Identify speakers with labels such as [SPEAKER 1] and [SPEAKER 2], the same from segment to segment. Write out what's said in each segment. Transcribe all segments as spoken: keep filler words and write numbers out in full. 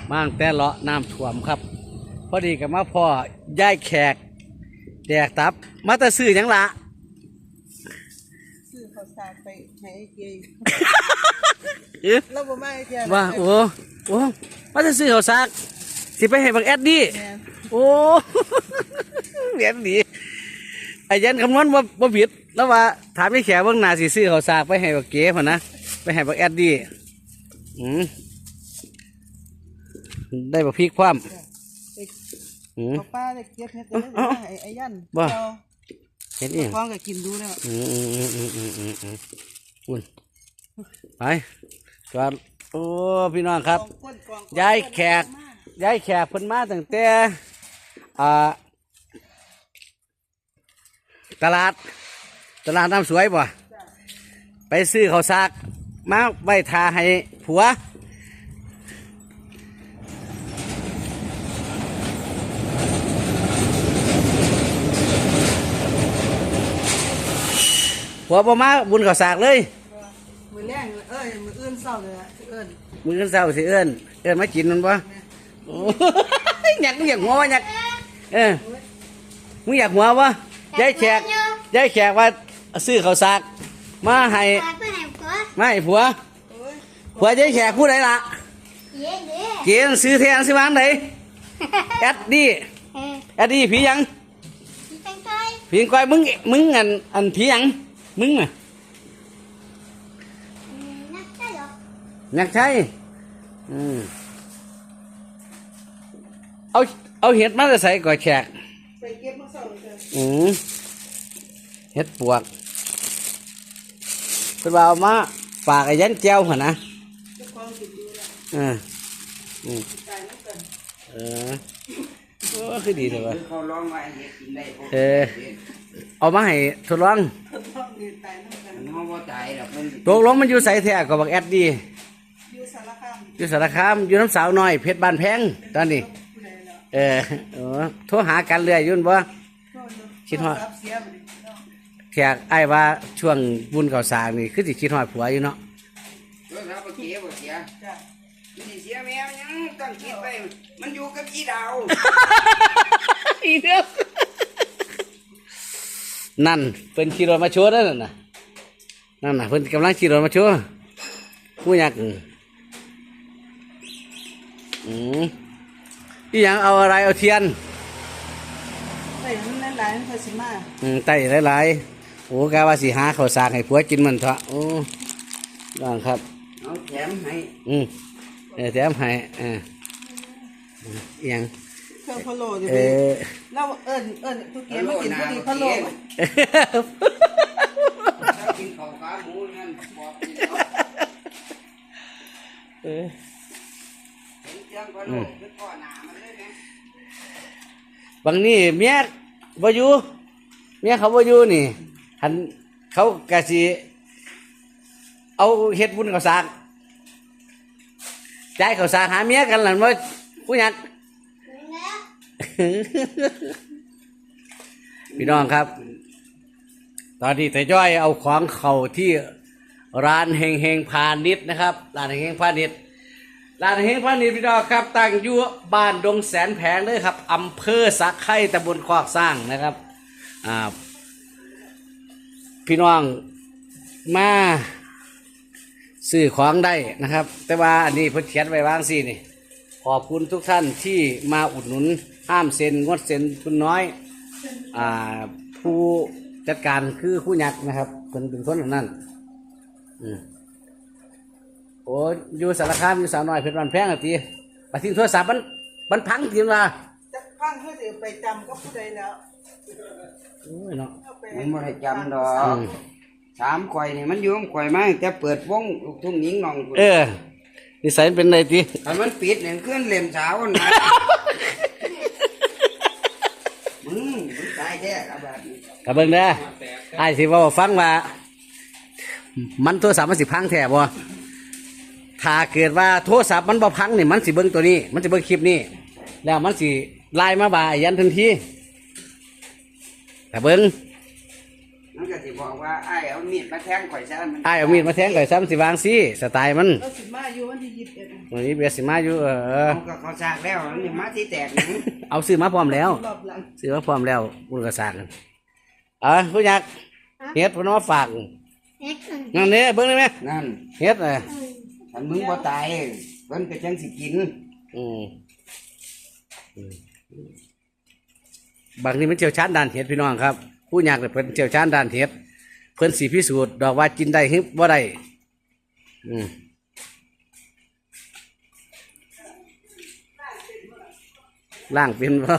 [SPEAKER 1] มั่งแต่เลาะน้ำท่วมครับพอดีกับมาพ่อย่ายแขกแดกตับมาแต่ซื้อหยังละ
[SPEAKER 2] ซื้อข้าวสารไปให้เกียร์
[SPEAKER 1] เอ๊ะ
[SPEAKER 2] เราบ่มาไอ้เกียร์
[SPEAKER 1] ว่าโอ้โอ้มาแต่ซื้อข้าวสากสิไปให้บักแอดดี้โอ้เหรียญดีไอ้ยันคำนวณว่าว่าผิดแล้วว่าถามไอ้แขกเบื้องหน้าสิซื้อข้าวสากไปให้บักเก๋พ่นนะไปให้บักแอดดี้อืมได้บักพริกคว่ำอืม
[SPEAKER 2] ป้าได้เก็บเฮ็ดได้ไอ้ไอ้ยัน
[SPEAKER 1] บ่เห็นอีก
[SPEAKER 2] ฟ้องก็กินดูแล้ว
[SPEAKER 1] อืมอืมอืมอืมอืมอืมอืมอุ่นไปก่อนโอ้พี่น้องครับย้ายแขกย้ายแขกเพิ่นมาตั้งแต่อ่าตลาดตลาดน้ำสวยบ่ไปซื้อข้าวสากมาไว้ทาให้ผัวผัวบ่มาบุญข้าวสากเลย
[SPEAKER 2] มือแรงเอ้ยมืออื่นเศร้าเลยเอิ้น
[SPEAKER 1] มือกันเศร้าสิเอิ้นเอิ้นมากินมันบ่โอ้ยอยากมึงอยากหัววะอยากเออมึงอยากหัววะยายแขกยายแขกว่าซื้อข้าวสากมาให้มาให้ผัวผัวยายแขกพูดอะไรล่ะเกี่ยซื้อแทนซื้อวางไหนแอดดี้แอดดี้ผียังผีก้อยมึงมึงอันอันผียังมึงอ่ะนักใช่อืมเอาเอาเห็ดมาจะใส่ก่อยแขก
[SPEAKER 2] ไปเก็บมาเศร้าเลย
[SPEAKER 1] อืมเห็ดปวกเป็นว่าเอามาฝากไอ้ยันเจ้าเหรอนะเอออืมเออโอ้คือดีเลยวะเออเอามาให้ทดลองตกลงมันอยู่ใส่แท้กับบักแอดดีอยู่สารคามอยู่สารคามอยู่น้ำสาวน้อยเพชรบานแพงตอนนี้เออเออโทรหากันเรื่อยยุ่นบ่คิดว่าแขกไอ้ว่าช่วงบุญเก่าสางนี่คือสิคิดฮอดผัวอยู่เนาะ
[SPEAKER 3] บ่เสียบ่เสียจ้ะมันสิเสียแม่มันยังต้องคิดไปมันอยู่กับอีดาว
[SPEAKER 1] อีเด้อนั่นเป็นขี่รถมาโชว์นั่นน่ะนั่นน่ะเพิ่นกำลังขี่รถมาโชว์ผู้ยักษ์อืมอีหยังเอาอะไรเอาเทียน
[SPEAKER 2] ไต่มันหลายๆมันค่อยสิมา
[SPEAKER 1] อืมไต่หลายๆโอ้กะว่าสิหาข้าวสากให้ผัวกินมันเถอะโอ้บ้างครับ
[SPEAKER 3] เอาแถมให้
[SPEAKER 1] อืมเออแถมให้เอออีหยัง
[SPEAKER 2] เครื่องพะโล้ดิเราเอิ้นเอิ้นทุกเกียร์มากินพอดีพะโล้
[SPEAKER 3] ถ้ากินข้าวขาหมูนั่นบอกกินเออเห็นเจียงพะโล้คือพ่อหน้ามันเลยนะ
[SPEAKER 1] บางนี่เมียบ่อยู่เมียเขาบ่อยู่นี่หันเขากะสิเอาเฮ็ดบุญข้าวสากจ่ายข้าวสากหาเมียกันหลังว่าผู้หญิงพี่น้องครับตอนที่แต่จ้อยเอาของเขาที่ร้านเฮงเฮงพาณิชย์นะครับร้านเฮงเฮงพาณิชย์ร้านเฮงพาณิชย์พี่น้องครับตั้งอยู่บ้านดงแสนแผงเลยครับอำเภอสักไข่ตำบลคอกสร้างนะครับอ่าพี่น้องมาซื้อของได้นะครับแต่ว่าอันนี้เพิ่นเขียนไว้วางสินี่ขอบคุณทุกท่านที่มาอุดหนุนห้ามเซ็นงดเซ็นคุณน้อยอ่าผู้จัดการคือผู้ยักษ์นะครับเป็นเป็นคนแบบนั้นอืมโอ้อยู่สารคามอยู่สาวน้อยเพชรบานแพงอ่ะทีไปทิ้งโทรศัพท์มันมันพังทีละ
[SPEAKER 2] จะพังเพื่อจะไปจำก็ผู้ใดแล้ว
[SPEAKER 1] โอ้ยเนาะ
[SPEAKER 3] มันบ่ได้จำดอกสามข่อยนี่มันอยู่ข่อยมาแต่เปิดวงลูกทุ่งหญิงน้อง
[SPEAKER 1] เออนิสัยเป็นไงที
[SPEAKER 3] ถ้ามันปิดเนี่ยขึ้นเล่มสาวนะมึงมึงตายแท้กับแบบนี้
[SPEAKER 1] กับเบิ่งเด้อไอ้สิว่าฟังว่ามันโทรศัพท์มันสิพังแท้บ่ถ้าเกิดว่าโทรศัพท์มันบ่พังนี่มันสิเบิ่งตัวนี้มันสิเบิ่งคลิปนี้แล้วมันสิไล่มาบ่ายันทันทีแต่เบิ่ง
[SPEAKER 3] มันก็สิบอกว่าไอ้ายเอามีดมาแทงข่อยซะมัน
[SPEAKER 1] อ้ายเอามีดมาแทงก่อยซ้ำสิวางสิสไตล์มัน
[SPEAKER 2] เราสิมาอยู่วันที่ยี่สิบเอ็ด
[SPEAKER 1] วันนี้เบียร์สิมาอยู่เออ
[SPEAKER 3] เอาก็เขาซากแล้วนี่มาที่แตกหยัง
[SPEAKER 1] เอาซื้อมาพร้อมแล้ว
[SPEAKER 2] รอบหลัง
[SPEAKER 1] ซื้อมาพร้อมแล้วบุญกระสากกันเอ่ะผู้ยักษ์เฮ็ดเพนว่าฝากนั่นเนี่ยเบิ่งได้ไหม
[SPEAKER 3] นั่น
[SPEAKER 1] เฮ็ดเออ
[SPEAKER 3] ถ้ามึงบ่ตายเพิ่นก็จังสิกิน
[SPEAKER 1] อืมอืมบางทีมันเจียวชาญด้านเฮ็ดพี่น้องครับ ผู้ยักษ์เนี่ยเพิ่นเจียวชาญด้านเฮ็ดเพิ่นสิพิสูจน์ดอกว่ากินได้หรือบ่ได้อืมล่างเป็นบ่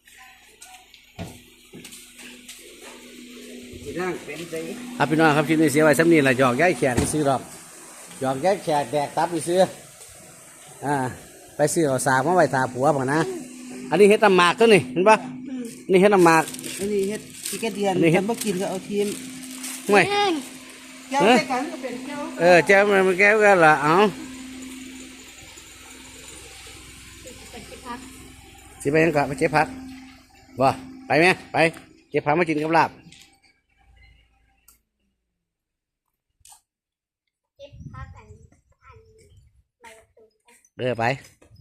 [SPEAKER 3] สิร่างเป็นไส
[SPEAKER 1] ครับพี่น้องครับคลิปนี้เสียไว้สำนีละหยอกย้ายแขกไปซื้อดอกหยอกย้ายแขกแดกตับไปซื้ออ่าไปซื้อเอาสากมาไว้ตาผัวบังนะ อันนี้เฮ็ดน้ำหมากตัวนี่เห็นปะนี่เฮ็ดน้ำหมาก
[SPEAKER 2] อันนี้เฮ็ดที่กระเดียน
[SPEAKER 1] นี่เฮ็ด
[SPEAKER 2] คันบ่กินก็เอาทีม
[SPEAKER 1] ห่วย
[SPEAKER 2] แก้วใส่กันก็เป็นแก้ว
[SPEAKER 1] เออแจ้วมันแก้วกันละเอาสิไปยังกะไปเจ็บผักบ่ไปไหมไปเจ็บผักมากินกับลาบ
[SPEAKER 4] เก็บพักอันอันใบตูน
[SPEAKER 1] เออไป